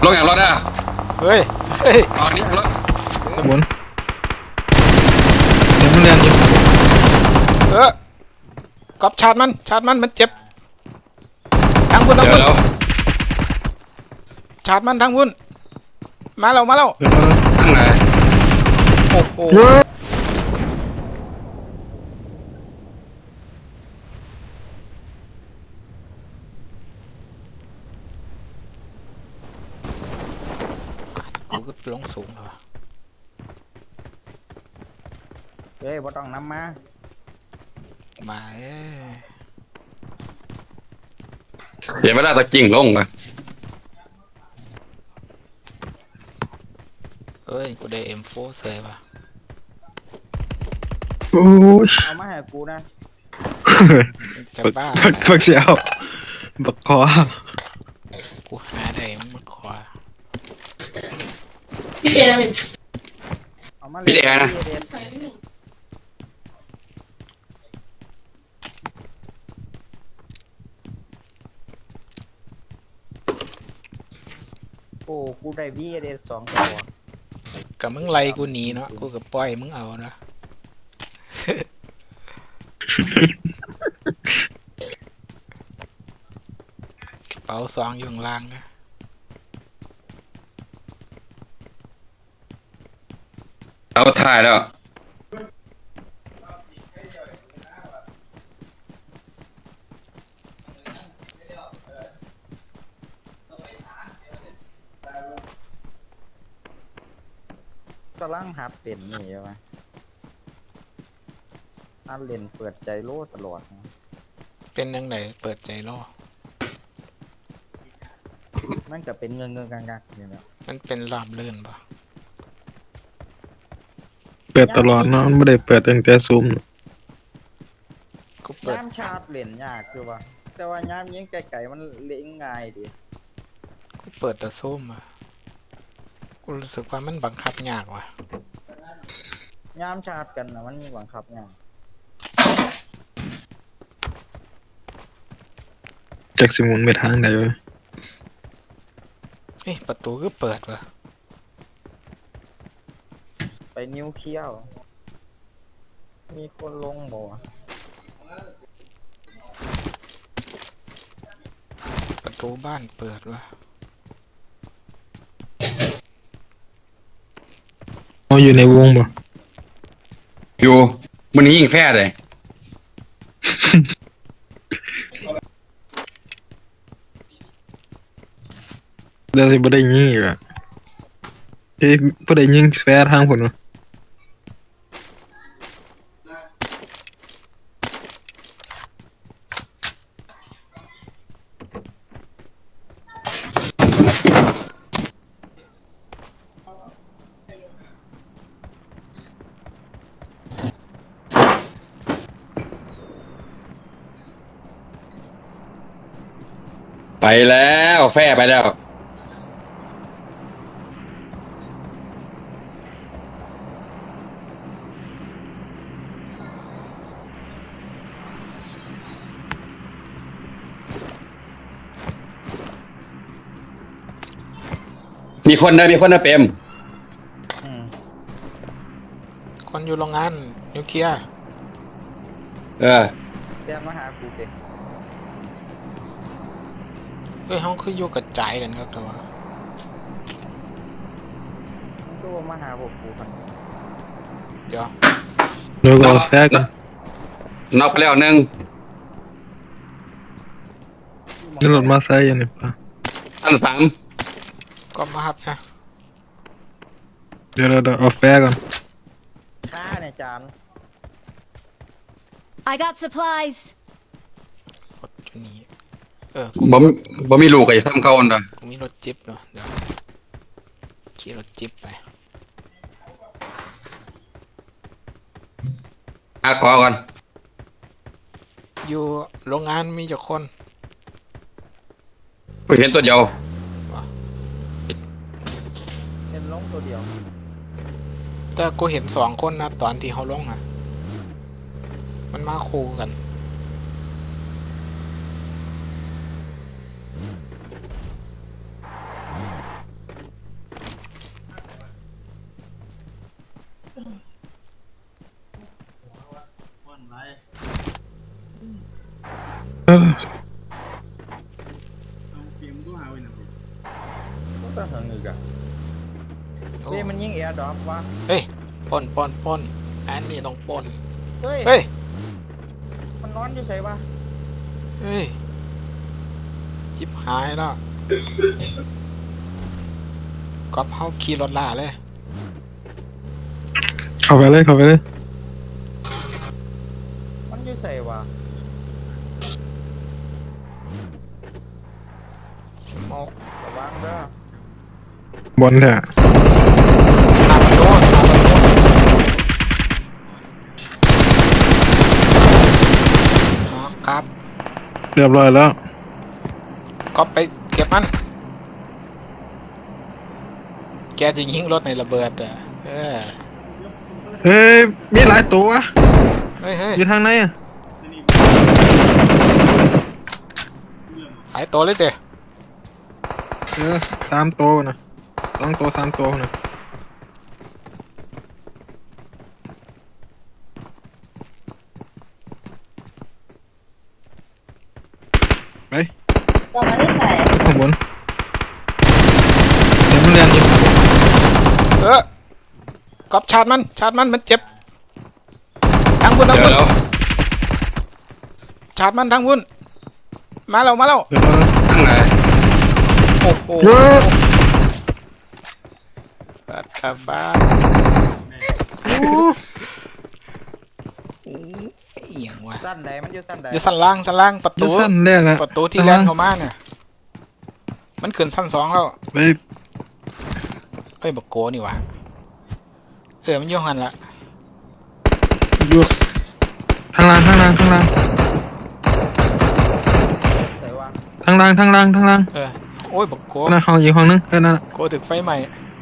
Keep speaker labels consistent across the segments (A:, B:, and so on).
A: ลงอย่างรถอ่ะ
B: เฮ้ย
A: อ๋อนี่รถ
C: ขบวนเดี๋ยวมันเรียนอยู่
B: ก๊อปชาร์จมันเจ็บทางพุ่น
A: เจอแล้ว
B: ชาร์จมันทางพุ่นมาแล้ว
A: ข้างไหน
B: โอ้โหกูก็ลงสูงเลย
D: เฮ้ยบ่ต้องนำมา
A: เดี๋ยวไม่ได้ตะกิ่งลงอ่ะ
B: กูได้ M4 เสยว่ะ
C: โอ้ย
D: เอามาให้กูนะ
B: จะบ้า
C: บักเสียวบักคอ
B: กูหาได้มาขวา
D: เอามาเลยนะโอ้กูได้ VDS 2 ตัว
B: กับมึงไล่กูหนีเนาะกูกับปล่อยมึงเอาเนาะ กระเป๋าซองอยู่ข้างล่างนะ
A: เอาถ่ายแล้ว
D: กำลังหัดเต้นนี่ใช่ไหมหัดเล่นเปิดใจโลตลอดนะ
B: เป็นยังไงเปิดใจรอ
D: มันก็เป็นเงินกักๆนี่แหละ
B: มันเป็นรอบลื่นปะ
C: เปิดตลอดเนาะมันไม่ได้เปิดตั้งแต่ซูม
B: กูเปิด
D: ย้ำชาร์จเล่นยากคือว่าแต่ว่าย้ำยิงไกลๆมันเล่นง่ายดี
B: กูเปิดแต่ส้มอะกูรู้สึกว่ามันบังคับยากว่ะ
D: ย้ำชาร์จกันนะมันบังคับยาก
C: จากสิหมุนไปทางใดวะ
B: ประตูก็เปิดว่ะ
D: ไปนิ้วเขี้ยว มีคนลงบ่
B: ประตูบ้านเปิดว่ะ
C: เขาอยู่ในวงบ่
A: อยู่มันยิงแพ้เลย
C: เดี๋ยวสิบ่ได้ยิงอีกอ่ะบ่ได้ยิงแฟร์ทางพุ่นวะ
A: ไปแล้วแพ้ไปแล้วมีคนนะเปม
B: คนอยู่โรงงานนิวเคลียร์
A: เออ
D: เดี๋ยวมาหากูเด็ก
B: ห้องคืออยู่กระจายกันครับแต่ว่า
D: มันก็มาหาพวกกูกัน
B: เดี๋ยว
C: เดี๋ยวก็เอาแฟร์กัน
A: น็อกไปแล้วหนึ่ง
C: นี่รถมาไซค์อยู่นี่ป่ะ
A: อันสาม
B: ก็มาครับนะ
C: เดี๋ยวเอาแฟร์ก่อน
D: ฆ่าเนี่ยจาน
E: I got supplies.
B: รถอยู่นี่
A: บ่มีลูกไอ้ซ้ำเขาอันใด
B: กูมีรถจิ๊บเนาะเดี๋ยวขี่รถจิ๊บไป
A: ขอก่อน
B: อยู่โรงงานมีเจ้าคน
A: กูเห็นตัวเดียว
D: เห็นลงตัวเดียว
B: แต่กูเห็น2 คนนะตอนที่เขาลงอ่ะ มันมาคู่กัน
D: ก็ต้องหึงอีกอะ
B: โอ้
D: เฮ้ยมันยิงแอร์ดรอปวะ
B: ปนอันนี้ต้องปน
D: เฮ้ย
B: เฮ้ย
D: มันนอนอยู่ใช่ปะ
B: เฮ้ยจิบหายแล้วก๊อปเฮาขี่รถล่าเลย
C: เข้าไปเลยเข้าไปเลย
D: มันอยู่ใส่วะ
B: สโมก
D: ระวังเด้อบ
C: นแท้
B: ทางโดนครับ
C: เรียบร้อยแล้ว
B: ก๊อปไปเก็บมัน แกจะยิงรถในระเบิดอ่ะเออ
C: เฮ้ยมีหลายตัววะ
B: เฮ้ย
C: อยู่ทางไหนอ่ะ
B: หายตัวเลยเจ้
C: 3 ตัวนะ2 ตัว 3 ตัวนะไป
E: ก็มาได้ใส่
C: ข้างบนเดี๋ยวมันเรียนอยู่
B: ก๊อปชาร์จมันมันเจ็บทางบุญ
A: เจอแล้ว
B: ชาร์จมันทางบุญมาแล้ว
C: เดี๋ยวมัน
A: ข้างไหน
B: โอ้โห
C: เยอะ
B: ปัดตาฟ้า
C: โอ้
B: เอียงว่ะ
D: สั้นใดมันอยู่สั้นใด
B: อยู่สั้นล่างประ
C: ดู
B: ตู
C: สั้นแรกอะ
B: ประตูที่แลนเข้ามาเนี่ยมันขึ้นสั้น2แล้ว
C: ไป
B: เอ้ยบักโกนี่หว่ะมันอยู่หันละ
C: อยู่ทางล่าง
D: ใส่วะ
C: ทางล่าง
B: โอ้ยบักโก
C: นั่นห้องอีกห้องนึงนั่นน่ะ
B: โกถึกไฟใหม่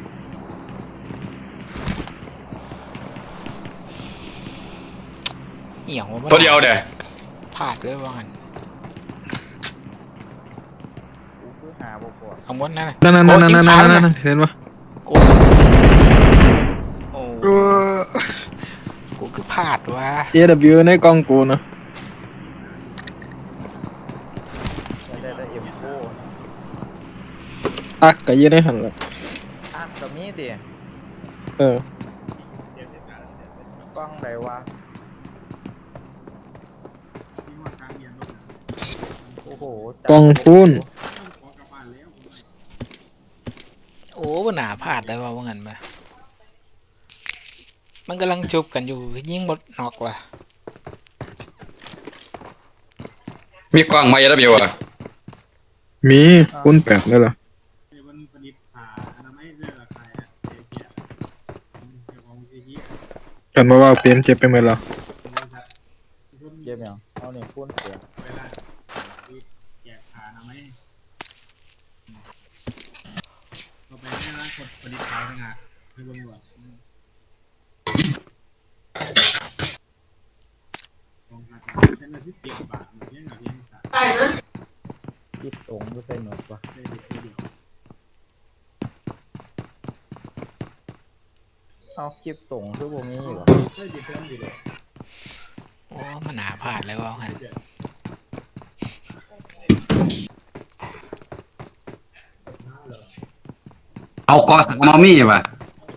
B: เอียงว่ะ
A: ตัวเดียวเด้
B: พลาดเลยว่าหัน
D: กูคือหาบ่ปวด
B: ข้างบนนั่นน่ะ
C: นั่น
B: โกยิงขาเลยนะ
C: เห็นปะ
B: โกโอ้กูคือพลาดว่ะ
C: AW ในกล้องกูนะ
D: ได้เอ็มโก้
C: ตักก็ยืนได้หันละ
D: อ่ะก็มีดิ
C: เออก
D: ล้องใดวะโอ้โหจับ
C: กล้องคูณ
B: โอ้บ่น่าพลาดเลยว่างั้นมามันกำลังจุบกันอยู่ยิงหมดนอกว่ะ
A: มีกล้องไหมแล้วเบียวอ่ะ
C: มีคูณ8เลยเหรอกันบอกว่าเปลี่ยนเจ็บไปหมดแล้ว
D: เก็บยังเอานี่คูณเสีย ยิบตรงก็ใส่หนวดวะเอาคลิปตรงคือบ่มีอยู่หรอ
B: โอ้มันน่าพลาดเลยว่างั้น
A: เอากอสักมอมี่ป่ะ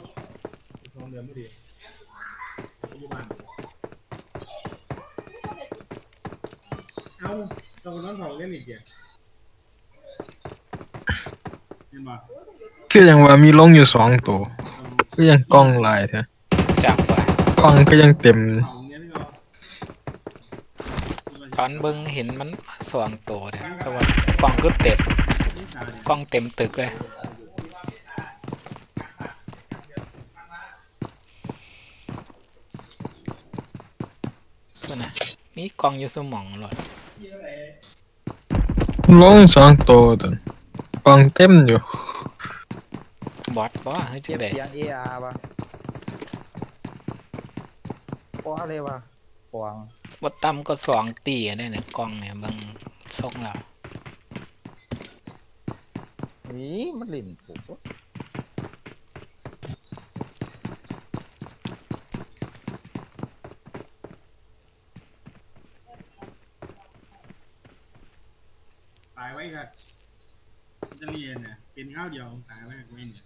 C: คือยังว่ามีลงอยู่2 ตัวคือยังกล้องหลายแท้
B: จับว่ะ
C: กล้องก็ยังเต็ม
B: ตอนเบิ่งเห็นมันสว่างโตเด้อแต่ว่ากล้องคือเต็มกล้องเต็มตึกเลยตัวน่ะมีกล้องอยู่สมองหลด
C: ลง2 ตัวตัวกล้องเต็มอยู่
B: บอทบ่เฮ้ยจั
D: เก็
B: ง
D: บ
B: ได๋
D: เสียง AR ปะปออะไรวะปวง
B: บ่ต่ำก็2ตีได้เนี่ยกล้องเนี่ยเบิ่งทรงแล้ว
D: นี่มันลิ่นถูก
E: เนี่ยเป็นข้าวเดียวตายแรกไว้เนี่ย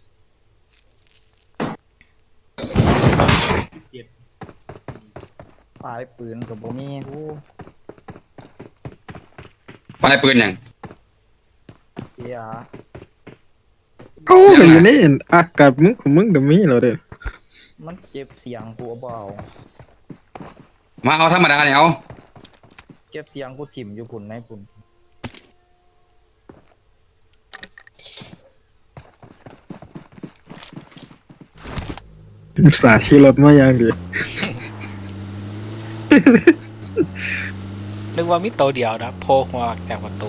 E: เจ็ด
D: ปลายปืนกับบ่มีกู
A: ปลายปืนอย่าง
D: เกียร์
C: เอ้าก็อยู่ในอากาศมึงของมึงก็มีแล้วเด้อ
D: มันเก็บเสียงกูเอาบ่เอา
A: มาเอาธรรมดาเนี่ยเอา
D: เก็บเสียงกูถิ่มอยู่พุ่นในพุ่น
C: อุตส่าห์ขี่รถมาอย่างดี
B: นึกว่ามีตัวเดียวนะโผล่หัวออกจากประตู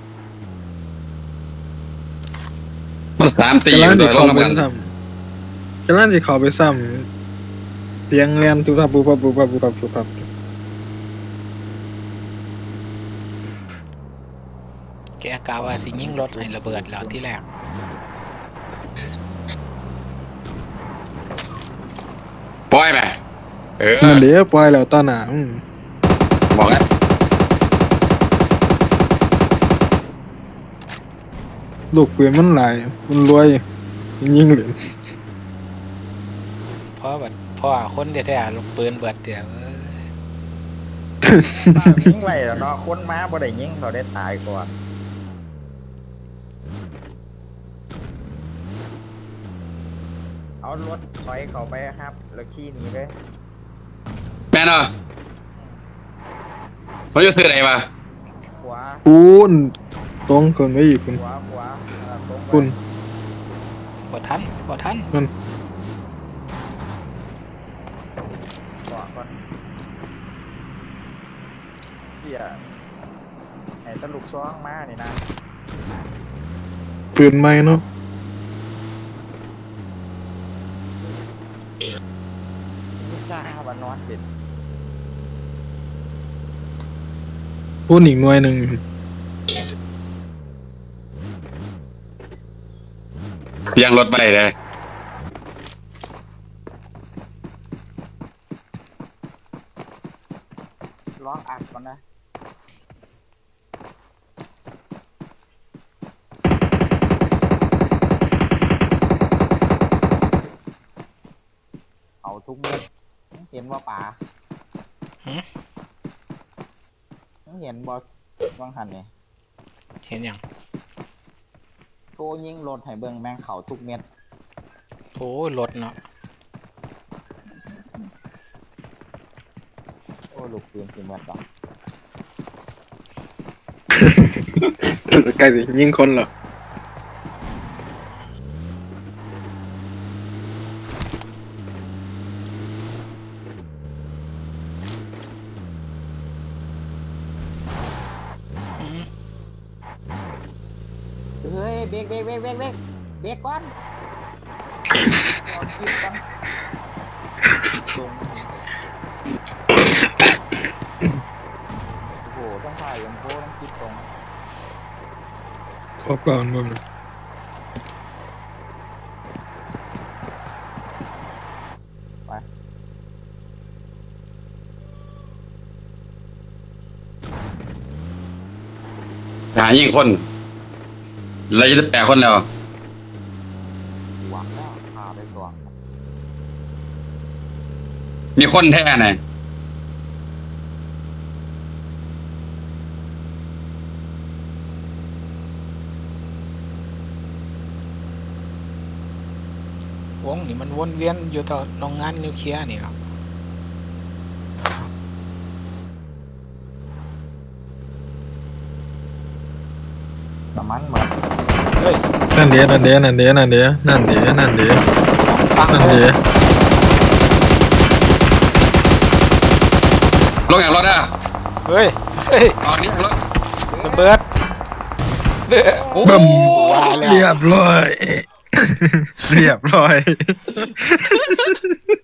A: มันสามตี
C: กำลัง
A: โด
C: สิ
A: ยล
C: เข้าง ไป
A: น้ำกัน
C: ซ้ำกำลังสิเข้าไปซ้ำเสียงแล่นตุบตับปุบปับปุบปับปุบปับปุบปับ
B: แกกล่าวว่าสิยิงรถให้ระเบิดแล้วที่แรก
A: ปล่อยไปเออ
C: นั่นเดี๋ยวปล่อยแล้วตอนหน้า
A: บอกแล้ว
C: ลูกปืนมันหลายมันรวยยิงเหรียญ
B: เพราะแบบพ่อคนแท้ๆลูกปืนเบิดเดียวเอ้ย
D: ยิงไว้แล้วเนาะคนมาบ่ได้ยิงเขาได้ตายก่อนเอารถถอยเข้าไปครับ แล้วขี่หนีเลย
A: แม่นเหรอเขาจะซื้ออะไรมา
D: ขวา
C: ปูนตรงคนไว้อีกคุณ
D: ขวาตรงไป
C: คุณ
B: บ่ทันบ่ทัน
D: ขวาก่อนเฮียไอ้ตะลุกซ้องมานี่นะ
C: ปืนใหม่เนาะ
D: มิซ่าบานอนเป็น
C: ปูนอีกหน่วยหนึ่ง
A: เสียงรถไปเลย
D: ร้องอัดก่อนนะเอาทุกเม็ดเห็นว่าป่าเห็นบอวังหันเนี่ย
B: เห็นยัง
D: โชว์ยิงรถให้เบิ่งแมงเขาทุกเม็ด
B: โอ้ยรถเนาะ
D: โอ้ลูกปืนสิเม็ดดอก
C: ใกล้สิยิงคนเหรอ
D: เฮ้ยเบรกก่อนก่อนคิดก่อนลงโอ้โหต้องถ่ายยังโค้ต้องคิดตรง
C: ครบก่อนบ่ม
A: หายิงคนเราจะได้แปลคนแล้ว
D: หวังแล้วพาไปสว่าง
A: มีคนแท้ไหน
B: วงนี่มันวนเวียนอยู่ต่อโรงงานนิวเคลียร์นี่หรอก
D: น้ำมันเหมือน
B: เฮ้ย
C: นั่นเดี๋ยวนั่นเดี๋ยวนั่นเดี๋ยวนั่นเดี๋ยวนั่นเดี๋ยวนั่นเดี๋ยว
B: ฟัง
C: นั่น
B: เล
C: เดี๋
B: ย
C: ยว
A: ลงอย่างรถอ่ะ
B: เฮ้ยเฮ้ย
A: ตอนนี้รถ
B: ระเบิดเด้อ
A: โอ้
C: บึ้ม
B: ว่าแล้ว
C: เรียบร้อย เรียบร้อย